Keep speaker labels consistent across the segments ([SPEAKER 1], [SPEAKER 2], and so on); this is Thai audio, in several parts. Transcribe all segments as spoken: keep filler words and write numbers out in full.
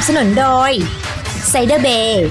[SPEAKER 1] บสนุนโดยไซเดอร์เบย์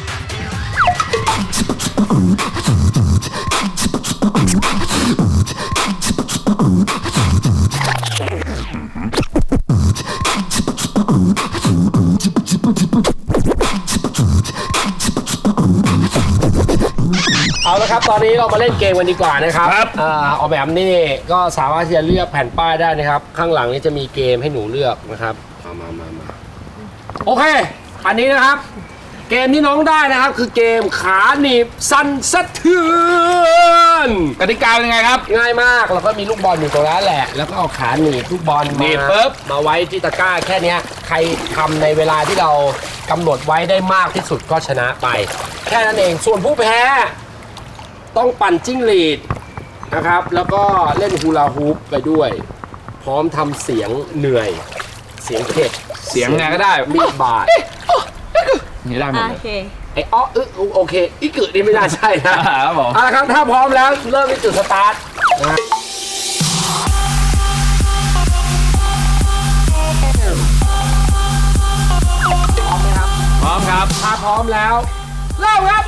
[SPEAKER 2] เอาละครับตอนนี้เรามาเล่นเกมกันดีกว่านะครับ
[SPEAKER 3] ครับ
[SPEAKER 2] อ่าออกแบบนี่ก็สามารถที่จะเลือกแผ่นป้ายได้นะครับ ข้างหลังนี้จะมีเกมให้หนูเลือกนะครับมามามามาโอเค อันนี้นะครับ เกมที่น้องได้นะครับ คือเกมขาหนีบสั่นสะเทือน
[SPEAKER 3] กติกาเป็นยังไงครับ
[SPEAKER 2] ง่ายมากเราก็มีลูกบอลอยู่ตรงนั้นแหละ แล้วก็เอาขาหนีบลูกบอล
[SPEAKER 3] หนี
[SPEAKER 2] มา
[SPEAKER 3] บปุ๊บ
[SPEAKER 2] มาไว้ที่ตะกร้าแค่เนี้ยใครทำในเวลาที่เรากำหนดไว้ได้มากที่สุดก็ชนะไป แค่นั้นเองส่วนผู้แพ้ต้องปั่นจิ้งหรีดนะครับ แล้วก็เล่นฮูลาฮูปไปด้วย พร้อมทำเสียงเหนื่อย เสียงเผ็ด
[SPEAKER 3] เสียงไงก็ได้
[SPEAKER 2] มีดบาด
[SPEAKER 3] นี่ได้หมด
[SPEAKER 4] โอ
[SPEAKER 3] เลย
[SPEAKER 4] เค
[SPEAKER 2] ไอ้อ้ออึโอเคอีกึนี่ไม่น่าใช่นะครับ
[SPEAKER 3] ผม
[SPEAKER 2] เอาละครับถ้าพร้อมแล้วเริ่มที่จุดสตาร์ทนะฮะพร้อมไหมครับ
[SPEAKER 3] พร้อมครับ
[SPEAKER 2] ถ้าพร้อมแล้วเริ่มครับ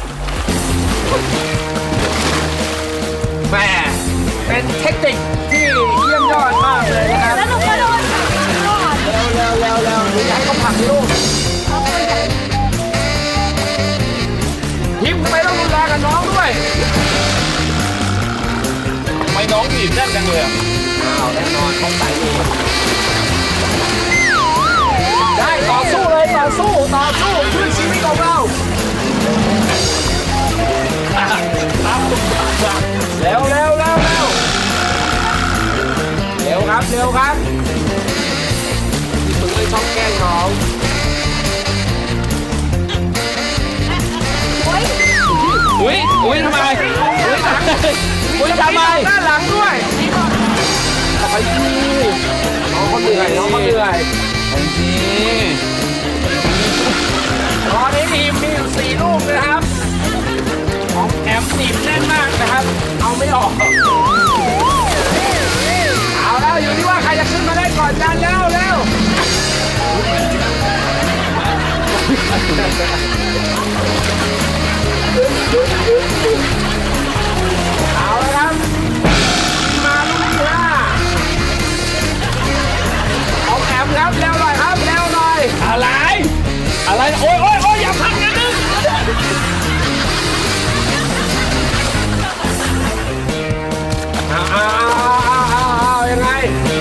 [SPEAKER 3] แม่
[SPEAKER 2] เป็นเทคนิคที่เยี่ยมยอดมากเลยนะครับ
[SPEAKER 4] แล้วหนูก็โดน
[SPEAKER 2] เร็วเร็วเร็วเร็วหรืออยากให้เขาผลักลูกทิมไปต้องรุนแรงกับน้องด้วย
[SPEAKER 3] ทำไมน้องหนีบแน่นจังเลยอะ
[SPEAKER 2] อ้าวแน่นอนเขาใส่ดีได้ต่อสู้เลยต่อสู้ต่อสู้เพื่อชีวิตของเราเร็วเร็วเร็วเร็วเร็วครับเร็วครับมึงเลยชอบแกล้งน้อง
[SPEAKER 3] อุ้ยอุ้ยทำไมอุ้ยทำไมอุ้ยทำไม
[SPEAKER 2] ด้านหลังด้วยต่อไปดีน้องเขาเหนื่อยน้องเขาเหนื่อย
[SPEAKER 3] นี่
[SPEAKER 2] ตอนนี้ทีมมีอยู่สี่ลูกนะครับของแอมหนีบแน่นมากนะครับ เอาไม่ออก เอาแล้วอยู่ที่ว่าใครจะขึ้นมาได้ก่อนกันแล้วเร็วเอาแล้วครับมาลูกที่ห้าของแอมครับเร็วหน่อยครับเร็วหน่อย
[SPEAKER 3] อะไร อะไร โอ้ยโอ้ยโอ้ยอย่าพักนะนึง
[SPEAKER 2] เอาเอาเอาเอาเอายังไง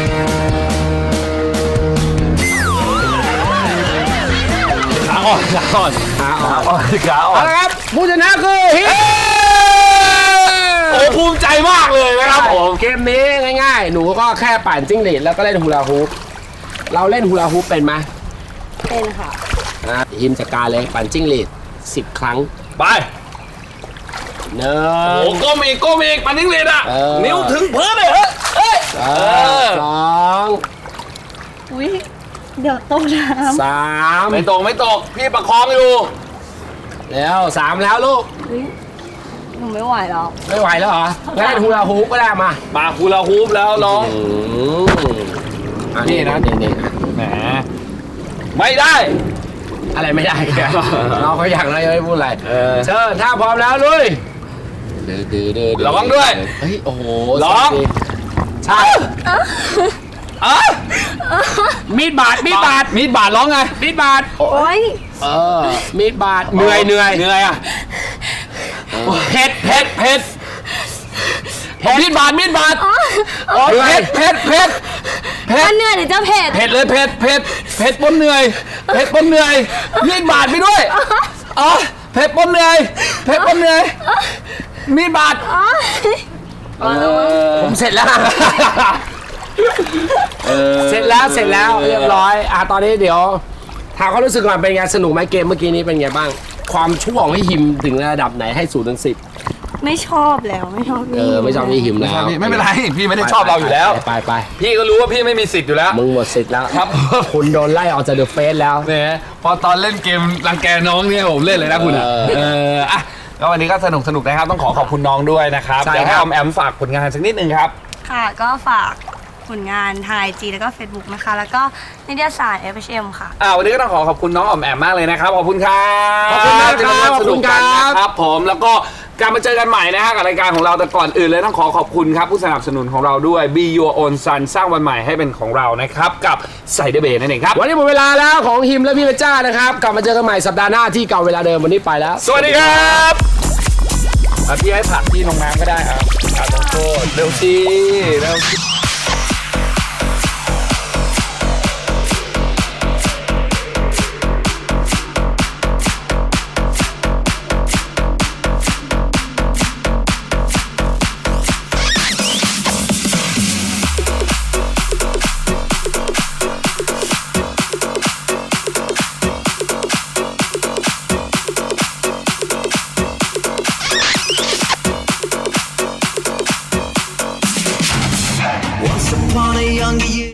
[SPEAKER 3] ขาอ่อนขาอ่อน
[SPEAKER 2] ขาอ่อน
[SPEAKER 3] อ่อนขาอ่อ
[SPEAKER 2] เอา
[SPEAKER 3] น
[SPEAKER 2] ละครับผู้ชนะคือฮิป
[SPEAKER 3] โอ้ภูมิใจมากเลยนะครับผม
[SPEAKER 2] เกมนี้ง่ายๆ หนูก็แค่ปั่นจิ้งหรีดแล้วก็เล่นฮูลาฮูปเราเล่นฮูลาฮูปเป็นไหม
[SPEAKER 4] เป็นค่ะ
[SPEAKER 2] นะฮิมจัดการเลยปั่นจิ้งหรีดสิบครั้ง
[SPEAKER 3] ไป
[SPEAKER 2] หนึ่
[SPEAKER 3] โอ้
[SPEAKER 2] ง
[SPEAKER 3] ก้มอีกก้มอีกมันนิ่งเลยอ่ะ
[SPEAKER 2] เออ
[SPEAKER 3] นิ้วถึงพื้นเลยเฮ้ยเฮ้ย
[SPEAKER 2] เออสอง
[SPEAKER 4] อุ้ยเดี๋ยวตกน้
[SPEAKER 2] สาม
[SPEAKER 3] ไม่ตกไม่ตกพี่ประคองอยู่
[SPEAKER 2] แล้วสามแล้วลูก
[SPEAKER 4] ำอุ้ยหนูไม่ไหวแล้ว
[SPEAKER 2] ไม่ไหวแล้วเหรองั้นเล่นฮูลาฮูปก็ได้มา
[SPEAKER 3] มาคูลาฮูปแล้วน้อง
[SPEAKER 2] อืมอันนี้นะนี่นี่
[SPEAKER 3] แหมไม่ได้
[SPEAKER 2] อะไรไม่ได้แกน้องเขาอยากอะไรไม่พูดอะไร
[SPEAKER 3] เออ
[SPEAKER 2] เชิญถ้าพร้อมแล้วลุยดื้อดื้อดื้อ
[SPEAKER 3] ระวังด้วย
[SPEAKER 2] เฮ้ยโอ้โห
[SPEAKER 3] ร้อง
[SPEAKER 2] ใช่
[SPEAKER 3] อ่ะ
[SPEAKER 2] มีดบาดมีดบาด
[SPEAKER 3] มีดบาดร้องไง
[SPEAKER 2] มีดบาด
[SPEAKER 4] โอ้ย
[SPEAKER 2] เออมีดบาดเหนื่อยเหนื่อย
[SPEAKER 3] เหนื่อยอ่ะ
[SPEAKER 2] เผ็ดเผ็ดเผ็ด
[SPEAKER 3] มีดบาดมีดบาด
[SPEAKER 2] โอ้ย
[SPEAKER 3] เผ็ดเผ็ดเผ็ดเผ็
[SPEAKER 4] มั
[SPEAKER 3] ด
[SPEAKER 4] นเหนื่อยหรือจะเผ็ด
[SPEAKER 3] เผ็ดเลยเผ็ดเผ็ดเผ็ดปนเหนื่อยเผ็ดปนเหนื่อยมีดบาดไปด้วยอ๋อเผ็ดปนเหนื่อยเผ็ดปนเหนื่อยมีดบาด
[SPEAKER 2] ผมเสร็จแล้วเสร็จแล้วเสร็จแล้วเรียบร้อยอ่ะตอนนี้เดี๋ยวถามความรู้สึกก่อนเป็นไงสนุกไหมเกมเมื่อกี้นี้เป็นไงบ้าง ความชั่วของพี่หิมถึงระดับไหนให้ศูนย์ถึงสิบ
[SPEAKER 4] ไม่ชอบแล้วไม่ชอบ
[SPEAKER 2] เออไม่ชอบพี่หิมแล้ว
[SPEAKER 3] ไม่เป็นไรพี่ไม่ได้ชอบเราอยู่แล้ว
[SPEAKER 2] ไปไป
[SPEAKER 3] พี่ก็รู้ว่าพี่ไม่มีสิทธิ์อยู่แล้ว
[SPEAKER 2] มึงหมดสิทธิ์แล้ว
[SPEAKER 3] ครับ
[SPEAKER 2] คุณโดนไล่ออกจากเดอะเฟสแล้ว
[SPEAKER 3] เนี่ยพอตอนเล่นเกมรังแกน้องเนี่ยผมเล่นเลยนะคุณอ่ะ
[SPEAKER 2] เออ
[SPEAKER 3] เอออ่ะก็วันนี้ก็สนุกสนุกนะครับต้องขอขอบคุณน้องด้วยนะครับ
[SPEAKER 2] ใช่
[SPEAKER 3] เดี๋ยวให้
[SPEAKER 2] ค
[SPEAKER 3] อ
[SPEAKER 2] รับ
[SPEAKER 3] อมแอมฝากผลงานสักนิดนึงครับ
[SPEAKER 4] ค่ะก็ฝากลงานทางไอจีแล้วก็ Facebook นะคะ แล้วก็นิตยสาร เอฟ เอช เอ็ม ค่ะ
[SPEAKER 3] อ่าวันนี้ก็ต้องขอขอบคุณน้องอ๋อมแอมมากเลยนะครับขอบคุณครับ
[SPEAKER 2] ขอบคุณมากครับ
[SPEAKER 3] ที่มาสนุกกัน
[SPEAKER 2] ขอบคุณครับ
[SPEAKER 3] นะครับผมแล้วก็กลับมาเจอกันใหม่นะฮะกับรายการของเราแต่ก่อนอื่นเลยต้องขอขอบคุณครับผู้สนับสนุนของเราด้วย Be Your Own Sun สร้างวันใหม่ให้เป็นของเรานะครับกับไซเดอร์เบย์นั่นเองครับ
[SPEAKER 2] วันนี้หมดเวลาแล้วของฮิมและพี่เพชรจ้านะครับ กลับมาเจอกันใหม่สัปดาห์หน้าที่เก่าเวลาเดิมวันนี้ไปแล้ว
[SPEAKER 3] สวัสดีครับอ่ะพี่ให้ผักพี่ลงน้ำก็ได้ครับผักลงโทษเร็วสิเร็วสิ